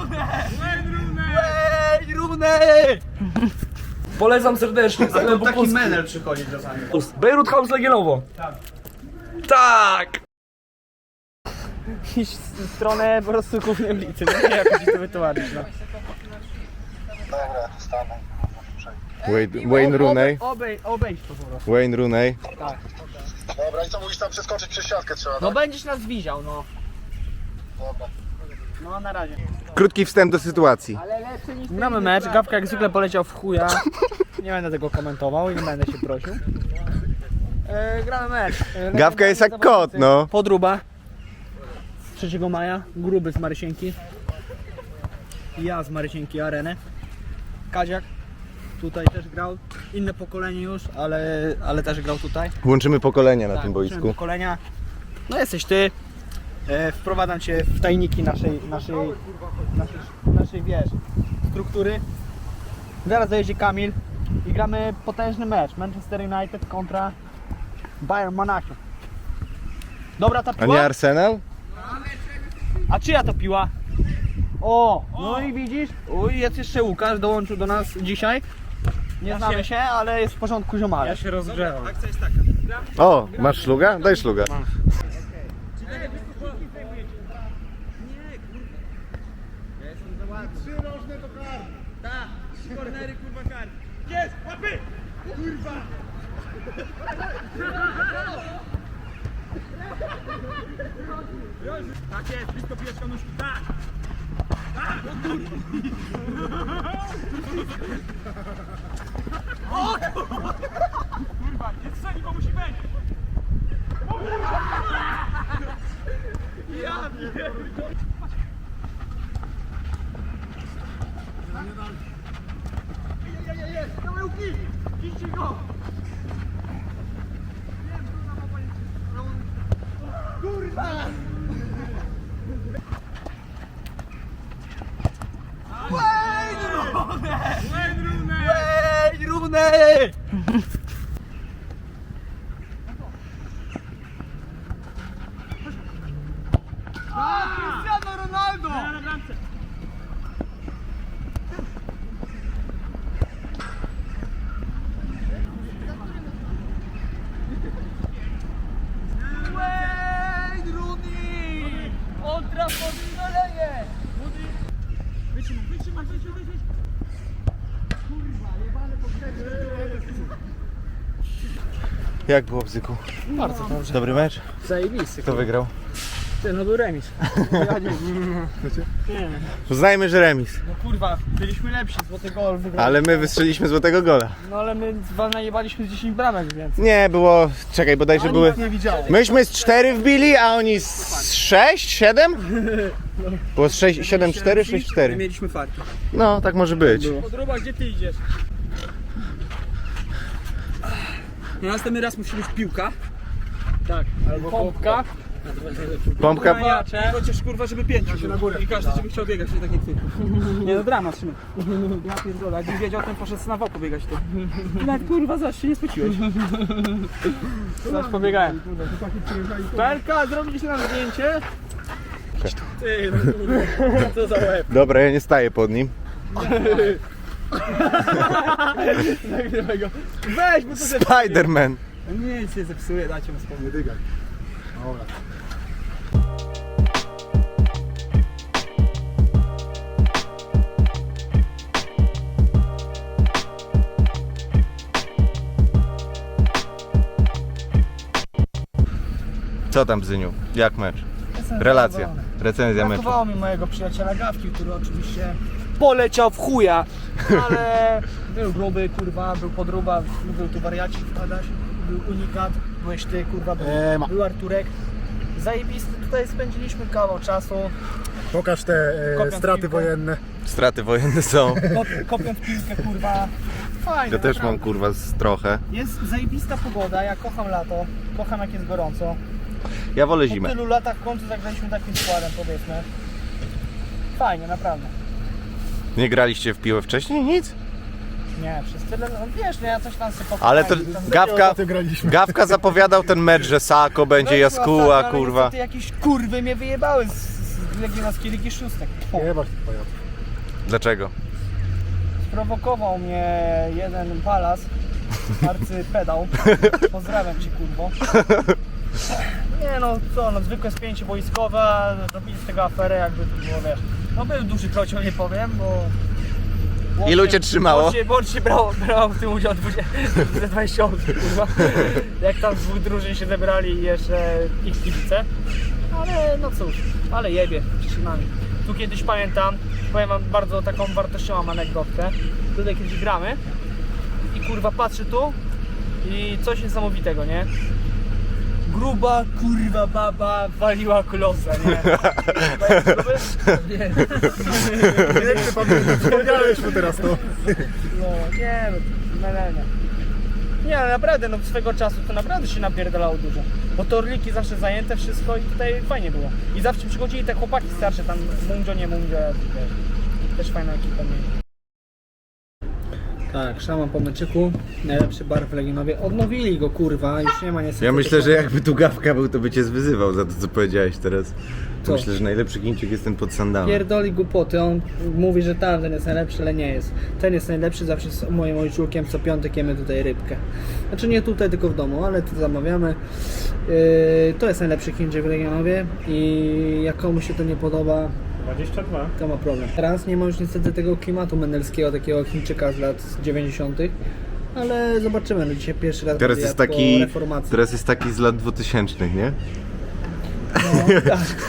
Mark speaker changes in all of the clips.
Speaker 1: Wayne Rooney! Polecam serdecznie.
Speaker 2: To taki menel przychodzi czasami.
Speaker 1: Beirut House Legionowo. Tak!
Speaker 2: Iść w stronę po prostu głównej ulicy, nie wiem jak ci to wytłumaczyć, no.
Speaker 3: Dobra, stanę.
Speaker 4: Wayne Rooney.
Speaker 2: Obejdź to po prostu.
Speaker 4: Wayne Rooney.
Speaker 3: Dobra, i co mówisz, tam przeskoczyć przez siatkę trzeba,
Speaker 2: No
Speaker 3: tak?
Speaker 2: będziesz nas widział, no.
Speaker 3: Dobra.
Speaker 2: No na razie.
Speaker 4: Krótki wstęp do sytuacji.
Speaker 2: Gramy mecz, Gawka jak zwykle poleciał w chuja. Nie będę tego komentował i nie będę się prosił. Gramy mecz.
Speaker 4: Gawka jest jak kot, no.
Speaker 2: Podruba. 3 maja, gruby z Marysienki. Ja z Marysienki Arenę. Kaziak tutaj też grał. Inne pokolenie już, ale też grał tutaj.
Speaker 4: Łączymy pokolenia na tym
Speaker 2: łączymy
Speaker 4: boisku.
Speaker 2: Pokolenia. No jesteś ty. Wprowadzam cię w tajniki naszej wiesz, struktury. Zaraz dojedzie Kamil i gramy potężny mecz. Manchester United kontra Bayern Monachium. Dobra ta
Speaker 4: A
Speaker 2: piła?
Speaker 4: nie Arsenal?
Speaker 2: A czyja to piła? O! No i widzisz? Uj, jest jeszcze Łukasz, dołączył do nas dzisiaj. Nie znamy się, ale jest w porządku ziomale. Ja się rozgrzewam.
Speaker 4: O, masz szluga? Daj szluga.
Speaker 1: Tak jest, blisko piłeczka nóżki, tak! Kurwa, nie strzeli, bo musi być! Ja pierdolę! Jest! Dawaj łuki! Kiście go! Kurwa! Wayne Rooney! Cristiano Ronaldo! Wayne Rooney! Old Trafford szaleje! Wytrzymaj!
Speaker 4: Jak było, Bzyku?
Speaker 2: Bardzo dobrze.
Speaker 4: Dobry mecz?
Speaker 2: Zajebisty.
Speaker 4: Kto wygrał?
Speaker 2: Ty, no był remis.
Speaker 4: Uznajmy, że remis.
Speaker 2: No kurwa, byliśmy lepsi, złoty gol wygrał.
Speaker 4: Ale my wystrzeliliśmy złotego gola.
Speaker 2: No ale my wam najebaliśmy z 10 bramek, więc...
Speaker 4: Nie, było... Czekaj, bodajże były...
Speaker 2: Nie widziałem.
Speaker 4: Myśmy z 4 wbili, a oni z 6, 7? Było z 6, 7, 4, 6, 4.
Speaker 2: Mieliśmy farki.
Speaker 4: No, tak może być.
Speaker 2: Podruba, gdzie ty idziesz? No, następny raz musi być piłka. Tak, albo pompka.
Speaker 4: Pompka...
Speaker 2: Chociaż kurwa, żeby 5 na górę. I każdy żeby chciał biegać, nie tak jak ty. Nie no, dramat, Szymon. Ja pierdolę, jakbym wiedział, ten poszedł na wał pobiegać to. Ty nawet kurwa zaś się nie spociłeś. Zaś pobiegałem. Pelka, zrobić nam zdjęcie? Ty, no kurwa, co za łeb.
Speaker 4: Dobra, ja nie staję pod nim.
Speaker 2: Nagrywaj go. Weź, bo to zepsuje.
Speaker 4: Spiderman.
Speaker 2: Nie, się zepsuje, dajcie mu spokój. Dygaj. Dobra.
Speaker 4: Co tam, Bzyniu? Jak mecz? Relacja. Recenzja meczu.
Speaker 2: Brakowało mi mojego przyjaciela Gawki, który oczywiście poleciał w chuja, ale był gruby, kurwa, był podruba, był tu wariacik, Adaś, był unikat, byłeś ty, kurwa, był Arturek. Zajebisty, tutaj spędziliśmy kawał czasu.
Speaker 5: Pokaż te
Speaker 2: Kopiąc
Speaker 5: straty
Speaker 2: piłkę.
Speaker 5: wojenne.
Speaker 4: Straty wojenne są.
Speaker 2: Kopiąc piłkę, kurwa. Fajnie.
Speaker 4: Ja też mam,
Speaker 2: naprawdę.
Speaker 4: kurwa, trochę.
Speaker 2: Jest zajebista pogoda, ja kocham lato, kocham jak jest gorąco.
Speaker 4: Ja wolę
Speaker 2: Po
Speaker 4: zimę.
Speaker 2: tylu latach w końcu zagraliśmy takim składem, powiedzmy. Fajnie, naprawdę.
Speaker 4: Nie graliście w piłę wcześniej? Nic?
Speaker 2: Nie, przez tyle, no wiesz, no ja coś tam sobie
Speaker 4: Ale to Gawka,
Speaker 5: Ostatnio graliśmy.
Speaker 4: Gawka zapowiadał ten mecz, że Sako będzie, Jaskuła, kurwa.
Speaker 2: Niestety jakieś kurwy mnie wyjebały z legionackiej Ligi Szóstek.
Speaker 4: Dlaczego?
Speaker 2: Sprowokował mnie jeden palas, arcypedał. Pozdrawiam cię, kurwo. Nie no, co, no zwykłe spięcie boiskowe, robili z tego aferę, jakby to było, wiesz. No był duży krocioł, nie powiem, bo...
Speaker 4: Ilu cię trzymało?
Speaker 2: Łącznie brał w tym udział 20 osób, kurwa. Jak tam z dwóch drużyn się zebrali i jeszcze ich kibice. Ale no cóż, ale jebie, przyczynami. Tu kiedyś pamiętam, powiem wam bardzo taką wartościową anegdotkę. Tutaj kiedyś gramy i kurwa patrzę tu i coś niesamowitego, nie? Gruba kurwa baba waliła klosa, nie? Nie.
Speaker 3: Wspomniałeś mu teraz to.
Speaker 2: No, nie no, melenia. Nie, ale naprawdę, no swego czasu to naprawdę się napierdalało dużo. Bo torliki zawsze zajęte, wszystko i tutaj fajnie było. I zawsze przychodzili te chłopaki starsze, tam Mundzio, nie Mundzio, też fajna ekipa mieli. Tak, szaman po meczyku, najlepszy bar w Legionowie. Odnowili go, kurwa, już nie ma niestety.
Speaker 4: Ja myślę, że jakby tu Gawka był, to by cię zwyzywał za to, co powiedziałeś teraz.
Speaker 2: Co?
Speaker 4: Myślę, że najlepszy Chińczyk jest ten pod sandałem.
Speaker 2: Pierdoli głupoty, on mówi, że tamten jest najlepszy, ale nie jest. Ten jest najlepszy, zawsze z moim ojczulkiem co piątek jemy tutaj rybkę. Znaczy nie tutaj, tylko w domu, ale tu zamawiamy. To jest najlepszy Chińczyk w Legionowie i jak komuś się to nie podoba,
Speaker 1: 22.
Speaker 2: to ma problem. Teraz nie ma już niestety tego klimatu menelskiego, takiego Chińczyka z lat 90. Ale zobaczymy, no dzisiaj pierwszy raz
Speaker 4: Teraz
Speaker 2: będę
Speaker 4: jest
Speaker 2: jadł po
Speaker 4: taki,
Speaker 2: reformacji.
Speaker 4: teraz jest taki z lat 2000, nie?
Speaker 2: No,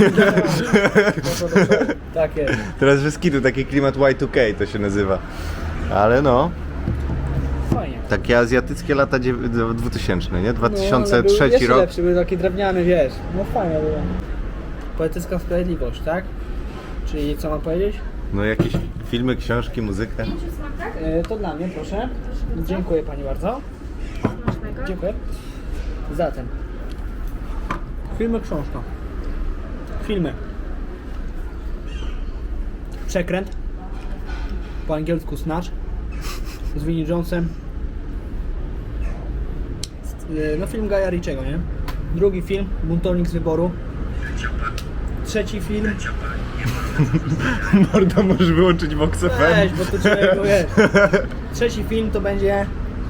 Speaker 2: tak jest.
Speaker 4: Teraz że skidu, taki klimat Y2K to się nazywa. Ale no,
Speaker 2: Fajnie.
Speaker 4: takie azjatyckie lata 2000, nie?
Speaker 2: No,
Speaker 4: 2003
Speaker 2: ale był jeszcze
Speaker 4: rok.
Speaker 2: lepszy, był taki drewniany, wiesz. No fajnie było. Poetycka sprawiedliwość, tak? Czyli co mam powiedzieć?
Speaker 4: No jakieś filmy, książki, muzykę.
Speaker 2: To dla mnie, proszę. Dziękuję pani bardzo. Dziękuję. Zatem. Filmy, książka. Filmy. Przekręt. Po angielsku Snatch. Z Vinnie Jonesem. No film Gaja Ritchiego, nie? Drugi film, Buntownik z wyboru. Trzeci film.
Speaker 4: Morda, możesz wyłączyć Vox FM.
Speaker 2: Weź, bo to człowieku jest. Trzeci film to będzie...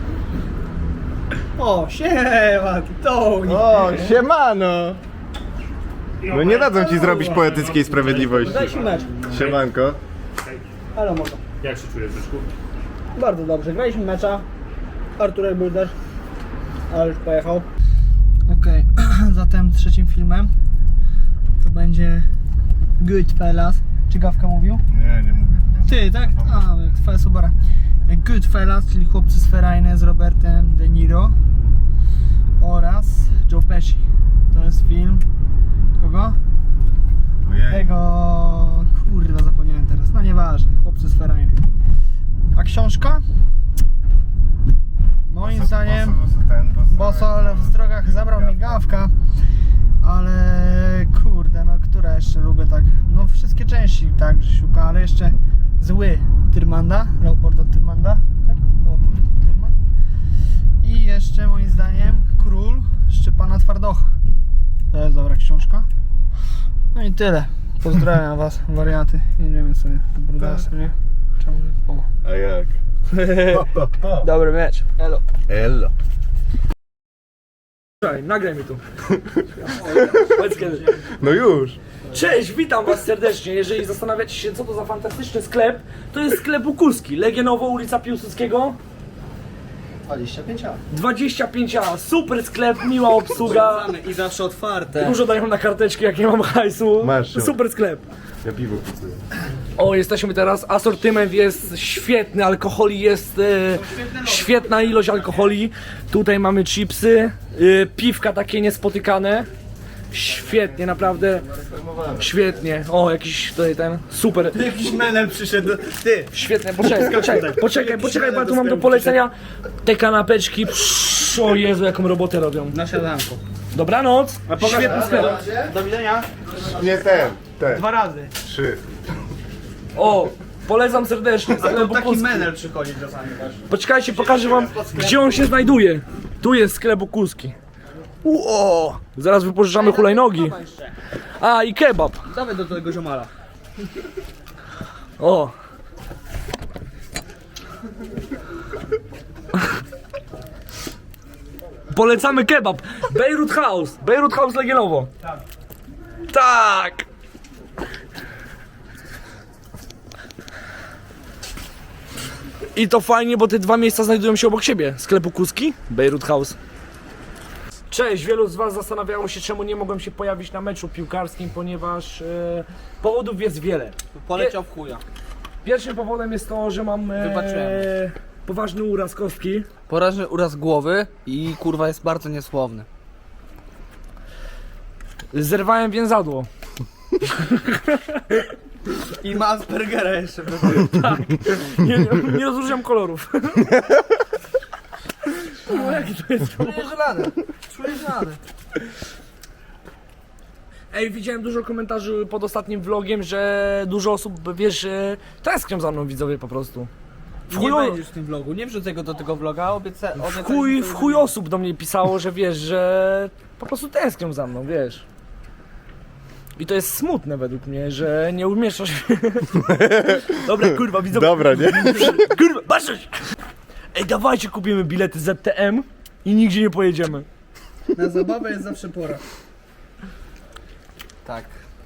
Speaker 2: O, siema, Tony.
Speaker 4: O, siemano! No nie dadzą ci zrobić poetyckiej sprawiedliwości.
Speaker 2: Daj się mecz.
Speaker 4: Siemanko.
Speaker 2: Halo, mordo.
Speaker 1: Jak się czujesz, Zeszku?
Speaker 2: Bardzo dobrze, graliśmy mecza. Arturek był też, ale już pojechał. Okej, zatem trzecim filmem to będzie Goodfellas. Czy Gawka mówił?
Speaker 4: Nie mówię.
Speaker 2: Ty, tak? A, jak twoja Subara. Goodfellas, czyli Chłopcy z Ferajny z Robertem De Niro oraz Joe Pesci. To jest film... Kogo? Tego... Kurwa, zapomniałem teraz. No nieważne, Chłopcy z Ferajny. A książka? Moim zdaniem... Bosol w drogach zabrał mi Gawka. Ale kurde, no które jeszcze lubię tak? No wszystkie części tak Grzesiuka, ale jeszcze Zły Tyrmanda, Leopolda Tyrmanda, tak? Leopold Tyrmand. I jeszcze moim zdaniem Król Szczepana Twardocha. To jest dobra książka. No i tyle. Pozdrawiam was, wariaty. Jedziemy sobie do Brudasa, nie? Czemu nie? O.
Speaker 4: A jak?
Speaker 2: Dobry mecz. Elo.
Speaker 4: Ello.
Speaker 5: Słuchaj, nagraj mi tu. Powiedz kiedy.
Speaker 4: No już.
Speaker 5: Cześć, witam was serdecznie. Jeżeli zastanawiacie się, co to za fantastyczny sklep, to jest sklep Wokulski. Legionowo, ulica Piłsudskiego.
Speaker 2: 25 lat.
Speaker 5: 25A, super sklep, miła obsługa.
Speaker 2: I zawsze otwarte.
Speaker 5: Dużo dają na karteczki, jak nie mam hajsu.
Speaker 4: Masz.
Speaker 5: Super sklep.
Speaker 4: Ja piwo kupuję.
Speaker 5: O, jesteśmy teraz, asortyment jest świetny, alkoholi jest świetna ilość alkoholi. Tutaj mamy chipsy, piwka takie niespotykane. Świetnie, naprawdę. Świetnie. O, jakiś tutaj ten, super.
Speaker 2: Jakiś menel przyszedł. Ty!
Speaker 5: Świetnie, poczekaj, bo ja tu mam do polecenia te kanapeczki. Psz, o Jezu, jaką robotę robią.
Speaker 2: Na siadanko.
Speaker 5: Dobranoc. Świetny sklep.
Speaker 2: Do widzenia.
Speaker 4: Nie ten.
Speaker 2: 2 razy.
Speaker 4: 3.
Speaker 5: O, polecam serdecznie. Sklep
Speaker 2: Taki
Speaker 5: Wokulski.
Speaker 2: menel przychodzi czasami też.
Speaker 5: Poczekajcie, pokażę wam, gdzie on się znajduje. Tu jest sklep Wokulski. Zaraz wypożyczamy hulajnogi. A i kebab.
Speaker 2: Dawaj do tego ziomala.
Speaker 5: O. Polecamy kebab. Beirut House Legionowo. Tak. I to fajnie, bo te dwa miejsca znajdują się obok siebie. Sklepu Kuski, Beirut House. Cześć, wielu z was zastanawiało się, czemu nie mogłem się pojawić na meczu piłkarskim, ponieważ powodów jest wiele.
Speaker 2: Poleciał w chuja.
Speaker 5: Pierwszym powodem jest to, że mam
Speaker 2: Wybaczyłem.
Speaker 5: poważny uraz kostki.
Speaker 2: Porażny uraz głowy i kurwa jest bardzo niesłowny.
Speaker 5: Zerwałem więzadło.
Speaker 2: I ma Aspergera jeszcze.
Speaker 5: Nie rozróżniam kolorów. No, jaki to jest kolor?
Speaker 2: Czujesz radę.
Speaker 5: Ej, widziałem dużo komentarzy pod ostatnim vlogiem, że dużo osób, wiesz, tęsknią za mną widzowie po prostu.
Speaker 2: Nie będziesz w tym vlogu, nie wrzucę go do tego vloga,
Speaker 5: W chuj osób do mnie pisało, że wiesz, że po prostu tęsknią za mną, wiesz. I to jest smutne według mnie, że nie umieszczasz się. Dobra, kurwa, widzowie.
Speaker 4: Dobra, nie?
Speaker 5: Kurwa, patrzeć! Ej, dawajcie kupimy bilety ZTM i nigdzie nie pojedziemy.
Speaker 2: Na zabawę jest zawsze pora. Tak.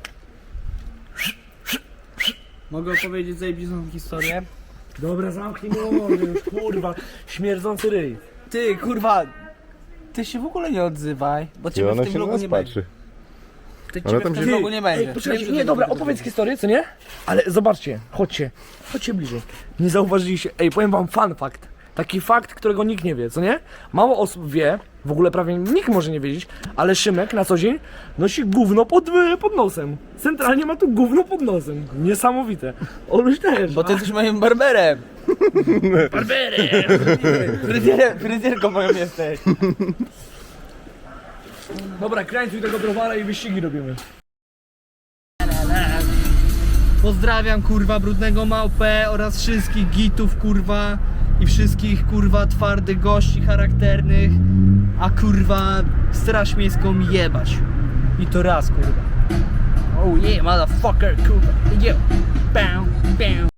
Speaker 2: Mogę opowiedzieć zajebistą historię?
Speaker 5: Dobra, zamknij mordę już, kurwa. Śmierdzący ryj.
Speaker 2: Ty, kurwa, ty się w ogóle nie odzywaj, bo
Speaker 4: I
Speaker 2: ciebie w
Speaker 4: ona
Speaker 2: tym
Speaker 4: się na
Speaker 2: vlogu
Speaker 4: nas
Speaker 2: nie będzie.
Speaker 4: patrzy.
Speaker 2: Ty
Speaker 4: Ona
Speaker 2: ciebie
Speaker 4: tam
Speaker 2: w tym
Speaker 4: się-
Speaker 2: vlogu nie będzie.
Speaker 5: Ej, poczekajcie,
Speaker 2: Wiem, że
Speaker 5: nie,
Speaker 2: ty
Speaker 5: dobra,
Speaker 2: tego
Speaker 5: opowiedz
Speaker 2: nie
Speaker 5: historię, co nie? Ale zobaczcie, chodźcie bliżej. Nie zauważyliście, ej, powiem wam fun fact. Taki fakt, którego nikt nie wie, co nie? Mało osób wie, w ogóle prawie nikt może nie wiedzieć, ale Szymek na co dzień nosi gówno pod nosem. Centralnie ma tu gówno pod nosem. Niesamowite. Oluś też.
Speaker 2: Bo ty jesteś moim barberem. Fryzjerką moją jesteś.
Speaker 5: Dobra, krańcuj tego browara i wyścigi robimy.
Speaker 2: Pozdrawiam kurwa brudnego małpę oraz wszystkich gitów kurwa i wszystkich kurwa twardych gości charakternych, a kurwa straż miejską jebać. I to raz kurwa. Oh yeah motherfucker kurwa. Yo. Bam, bam.